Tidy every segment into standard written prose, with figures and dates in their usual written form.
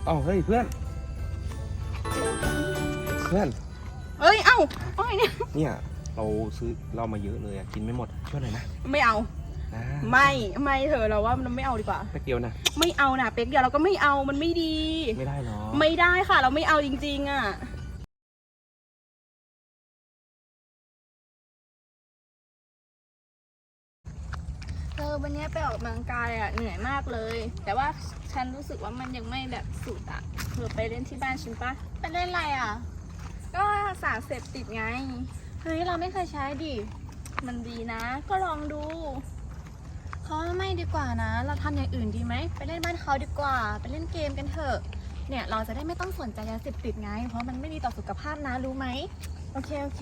อ้าวเฮ้ยเพื่อนเอ้อ้อยเนี่ยเนี่ยเราซื้อเรามาเยอะเลยกินไม่หมดช่วยหน่อยนะไม่เอานะไม่เถอะเราว่ามันไม่เอาดีกว่าเป๊กเดียวนะไม่เอานะเป๊กเดียวเราก็ไม่เอามันไม่ดีไม่ได้หรอไม่ได้ค่ะเราไม่เอาจริงๆอ่ะวันนี้ไปออกกำลังกายอ่ะเหนื่อยมากเลยแต่ว่าฉันรู้สึกว่ามันยังไม่แบบสุดอ่ะเธอไปเล่นที่บ้านฉันปะไปเล่นอะไรอ่ะก็สารเสพติดไงเฮ้ยเราไม่เคยใช้ดิมันดีนะก็ลองดูเขาไม่ดีกว่านะเราทำอย่างอื่นดีไหมไปเล่นบ้านเขาดีกว่าไปเล่นเกมกันเถอะเนี่ยเราจะได้ไม่ต้องสนใจยาเสพติดไงเพราะมันไม่ดีต่อสุขภาพนะรู้ไหมโอเค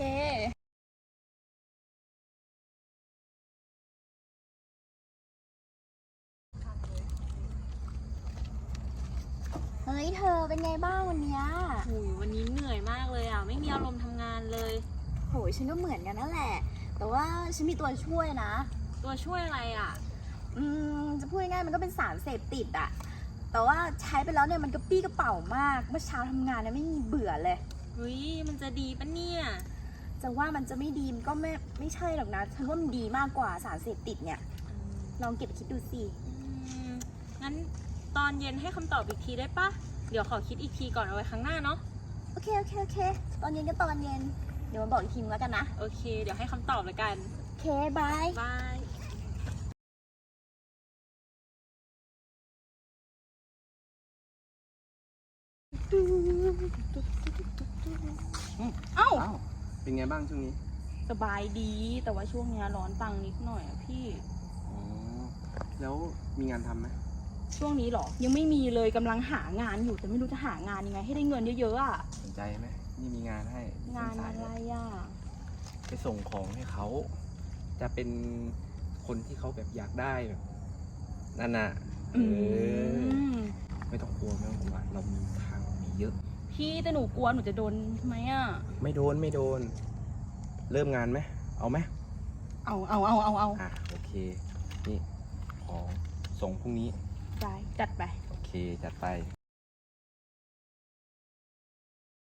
เฮ้ยเธอเป็นไงบ้างวันนี้วันนี้เหนื่อยมากเลยอ่ะไม่มีอารมณ์ทำงานเลยโหยฉันก็เหมือนกันนั่นแหละแต่ว่าฉันมีตัวช่วยนะตัวช่วยอะไรอ่ะจะพูดง่ายๆมันก็เป็นสารเสพติดอะแต่ว่าใช้ไปแล้วเนี่ยมันกระปี้กระเป๋ามากเมื่อเช้าทำงานเนี่ยไม่มีเบื่อเลยเฮ้ยมันจะดีปะเนี่ยจะว่ามันจะไม่ดีมันก็ไม่ใช่หรอกนะฉันว่ามันดีมากกว่าสารเสพติดเนี่ยลองเก็บคิดดูสิงั้นตอนเย็นให้คำตอบอีกทีได้ปะเดี๋ยวขอคิดอีกทีก่อนเอาไว้ครั้งหน้าเนาะโอเคตอนเย็นก็ตอนเย็นเดี๋ยวมาบอกอีกทีแล้วกันนะโอเคเดี๋ยวให้คำตอบแล้วกันโอเคบายเอ้าเป็นไงบ้างช่วงนี้สบายดีแต่ว่าช่วงนี้ร้อนตังนิดหน่อยอะพี่แล้วมีงานทำไหมช่วงนี้หรอยังไม่มีเลยกำลังหางานอยู่แต่ไม่รู้จะหางานยังไงให้ได้เงินเยอะๆอ่ะสนใจไหมนี่มีงานให้งานอะไรอ่ะไปส่งของให้เขาจะเป็นคนที่เขาแบบอยากได้แบบนั่นน่ะไม่ต้องกลัวเรามีทางมีเยอะพี่แต่หนูกลัวหนูจะโดนไหมอ่ะไม่โดนเริ่มงานไหมเอาไหมเอาโอเคนี่ของส่งพรุ่งนี้ได้จัดไปโอเคจัดไป